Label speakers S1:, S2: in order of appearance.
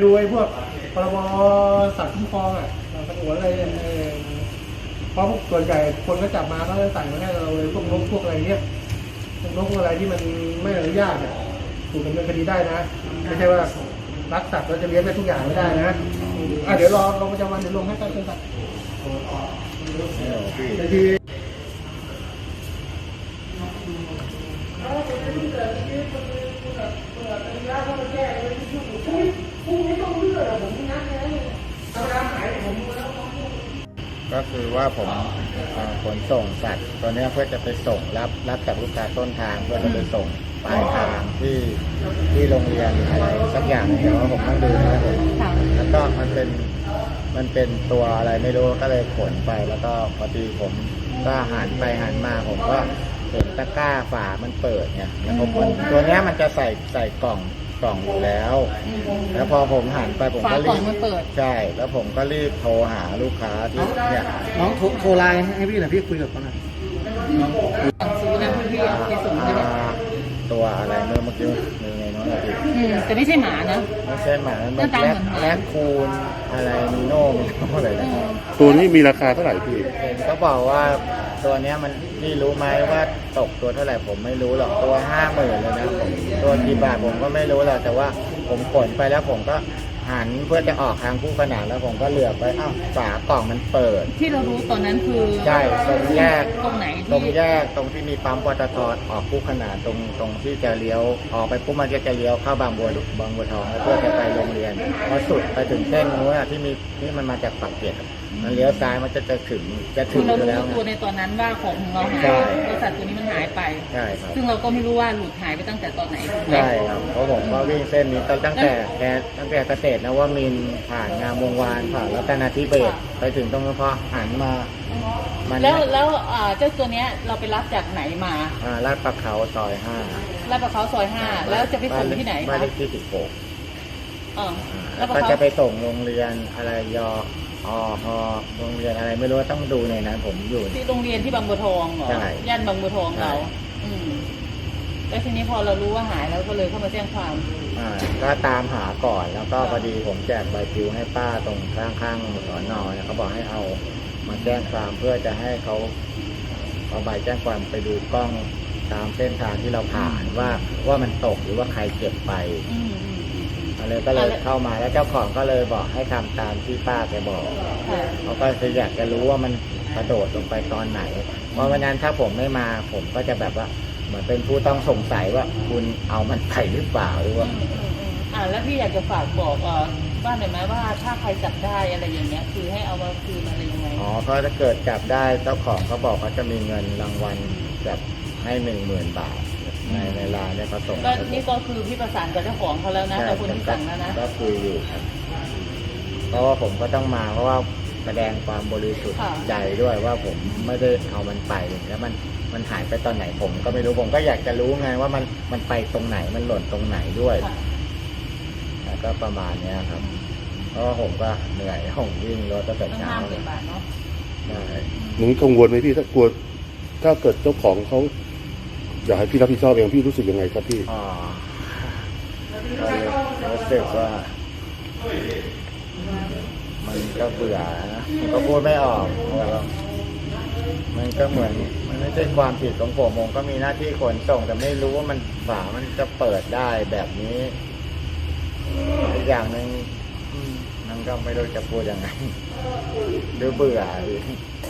S1: ดูไอ้พวกพรบสัตว์คุ้มครองอ่ะสงวนอะไรเพราะส่วนใหญ่คนก็จับมาก็จะใส่มาให้เราเลยพวกนกพวกอะไรเนี้ยพวกนกพวกอะไรที่มันไม่อนุญาตเนี่ยถูกดำเนินคดีได้นะไม่ใช่ว่ารักสัตว์เราจะเลี้ยงได้ทุกอย่างไม่ได้นะเดี๋ยวรอลงประจำวันเดี๋ยวลงให้การเป็นสัตว์ในที
S2: ก็คือว่าผมขนส่งสัตว์ตัวนี้เพื่อจะไปส่งรับจากลูกค้าต้นทางเพื่อจะไปส่งปลายทางที่โรงเรียนอะไรสักอย่างเดี๋ยวผมต้องดูนะครับผมแล้วก็มันเป็นตัวอะไรไม่รู้ก็เลยขนไปแล้วก็พอดีผมก็หันไปหันมาผมก็เห็นตะกร้าฝามันเปิดเนี่ยแล้วผมตัวนี้มันจะใส่กล่องอยู่แล้วแล้วพอผมหันไปผมก็รีบใช่แล้วผมก็รีบโทรหาลูกค้าที่เนี่ย
S1: น้องโทรไลน์ให้พี่หน่อยพี่คุยกับเขาหน่อยซื้อแล้วพี่ไปส่งใช่ไหม
S2: ตัวอะไรเมื่อกี้มีไงน้องอะไรอีก
S3: แต่ไม่ใช่หมานะ
S2: ไม่ใช่หมามันแลกคูนอะไรมีโน่อะไรนะ
S4: ตัวนี้มีราคาเท่าไหร่พี่
S2: เห็นเขาบอกว่าตัวเนี้ยมันพี่รู้ไหมว่าตกตัวเท่าไหร่ผมไม่รู้หรอกตัว50,000เลยนะผมตัวกี่บาทผมก็ไม่รู้หรอกแต่ว่าผมขนไปแล้วผมก็หันเพื่อจะออกทางคู่ขนานแล้วผมก็เหลือบไปอ้าวฝากล่องมันเปิด
S3: ที่เรารู้ตอนนั้นคือ
S2: ใช่ตรงแยก
S3: ตรงไหน
S2: ตรงแยกตรงที่มีปั๊มปตท.ออกคู่ขนานตรงที่จะเลี้ยวออกไปปุ๊บมันจะเลี้ยวเข้าบางบัวทองเพื่อจะไปโรงเรียนพอสุดไปถึงเส้นนู้นที่มันมาจากปากเกร็ดมันเลี้ยวซ้ายมันจะถึง
S3: อยู่
S2: แล้ว
S3: ตัวในตอนนั้นว่าของเราหายบริษัทตัวนี้มันหายไป
S2: ใช่ครับ
S3: ซึ่งเราก็ไม่รู้ว่าหลุดหายไปตั้งแต่ตอนไหน
S2: ใช่ครับเพราะผมก็วิ่งเส้นนี้ตั้งแต่เกษตรนะว่ามินผ่านงามวงวานผ่านรัตนาธิเบศไปถึงตรงนั้นพอหันมา
S3: แล้วเจ้าตัวเนี้ยเราไปรับจากไหนมา
S2: ลาดประเขาซอย5
S3: ลาดประเขาซอย5แล้วจะไปส่งที่ไหน
S2: บ้านเลขที่16แล้วก็จะไปส่งโรงเรียนอะไรโรงเรียนอะไรไม่รู้ต้องดูในนั้นผมอยู่
S3: ที่โรงเรียนที่บางบัวทองเหรอย่านบางบัวทองเราแล้วทีนี้พอเรารู้ว่าหายแล้วก็เลยเข้ามาแจ้งความ
S2: ก็ตามหาก่อนแล้วก็พอดีผมแจกใบปลิวให้ป้าตรงข้างสน.เนี่ยเขาบอกให้เอามาแจ้งความเพื่อจะให้เขาเอาใบแจ้งความไปดูกล้องตามเส้นทางที่เราผ่านว่ามันตกหรือว่าใครเก็บไปอะไรก็เลยเข้ามาแล้วเจ้าของก็เลยบอกให้ทำตามที่ป้าแกบอกเขาก็คืออยากจะรู้ว่ามันกระโดดลงไปตอนไหนเพราะวันนั้นถ้าผมไม่มาผมก็จะแบบว่าเหมือนเป็นผู้ต้องสงสัยว่าคุณเอามันไปหรือเปล่าหรือว่า
S3: แล้วพี่อยากจะฝากบอกบ้านหน่อยไหมว่าถ้าใครจับได้อะไรอย่างเงี้ยคือให้เอามาคืนอะไรยังไง
S2: เพราะถ้าเกิดจับได้เจ้าของเขาบอกเขาจะมีเงินรางวัลจับให้ 10,000 บาทในร้านเนี่ยเขาส่ง
S3: ก็นี่ก็คือพี่ประสานกับเจ้าของเขาแล้วนะกับคนที่สั่งแล้วนะ
S2: ก็คุยอยู่ครับเพราะว่าผมก็ต้องมาเพราะว่าแสดงความบริสุทธิ์ใจด้วยว่าผมไม่ได้เอามันไปแล้วมันหายไปตอนไหนผมก็ไม่รู้ผมก็อยากจะรู้ไงว่ามันไปตรงไหนมันหล่นตรงไหนด้วยแล้วก็ประมาณนี้ครับเพราะว่าผมก็เหนื่อยผมวิ่งรถตั้งแต่เช้า
S4: หนูกังวลไหมพี่ถ้ากลัวถ้าเกิดเจ้าของเขาอยากให้พี่รับผิดชอบเองพี่รู้สึกยังไงครับพี่
S2: รู้สึกว่ามันก็เบื่อนะก็พูดไม่ออกมันก็เหมือนมันไม่ใช่ความผิดของผมก็มีหน้าที่ขนส่งแต่ไม่รู้ว่าฝามันจะเปิดได้แบบนี้อีกอย่างหนึ่งมันก็ไม่รู้จะพูดยังไงหรือเบื่อ